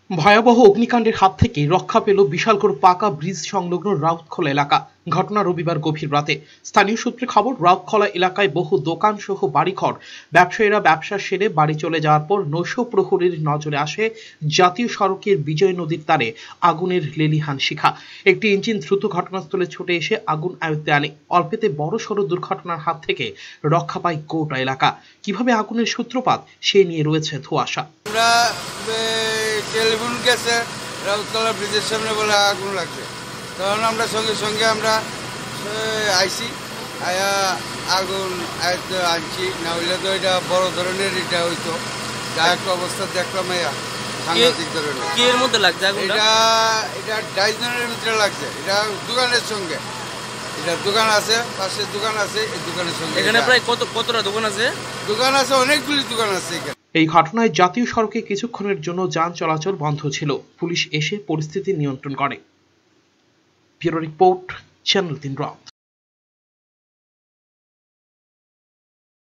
ভয়াবহ অগ্নিকাণ্ডের হাত থেকে রক্ষা পেল বিশালগড় পাকা ব্রিজ সংলগ্ন রাউতখোলা এলাকা। ঘটনা রবিবার গভীর রাতে। স্থানীয় সূত্রে খবর, রাউতখোলা এলাকায় বহু দোকান সহ বাড়িঘর। ব্যবসায়ীরা ব্যবসা সেরে বাড়ি চলে যাওয়ার পর নৈশ প্রহরীর নজরে আসে জাতীয় সড়কের বিজয় নদীর তীরে আগুনের লেলিহান শিখা। একটি ইঞ্জিন দ্রুত ঘটনাস্থলে ছুটে এসে আগুন আয়ত্তে আনে। অল্পেতে বড়সড় দুর্ঘটনার হাত থেকে রক্ষা পায় গোটা এলাকা। কিভাবে আগুনের সূত্রপাত সে নিয়ে রয়েছে ধোঁয়াশা। টেলিফোন গেছে রাউতখোলা ব্রিজের সামনে বলে আগুন লাগছে, তখন আমরা সঙ্গে সঙ্গে আমরা আইসি আয়া আগুন আনছি, না হইলে তো এটা বড় ধরনের এটা হইতো। যা একটা অবস্থা দেখলাম সাংঘাতিক ধরনের। কি এর মধ্যে লাগছে এটা ডাইজনের ভিতরে লাগছে। এটা দোকানের সঙ্গে, এটা দোকান আছে, পাশে দোকান আছে, এই দোকানের সঙ্গে। এখানে প্রায় কতটা দোকান আছে? দোকান আছে, অনেকগুলি দোকান আছে এখানে। এই ঘটনায় জাতীয় সড়কে কিছুক্ষণের জন্য যান চলাচল বন্ধ ছিল। পুলিশ এসে পরিস্থিতি নিয়ন্ত্রণ করে। ব্যুরো রিপোর্ট, চ্যানেল 3 রাত।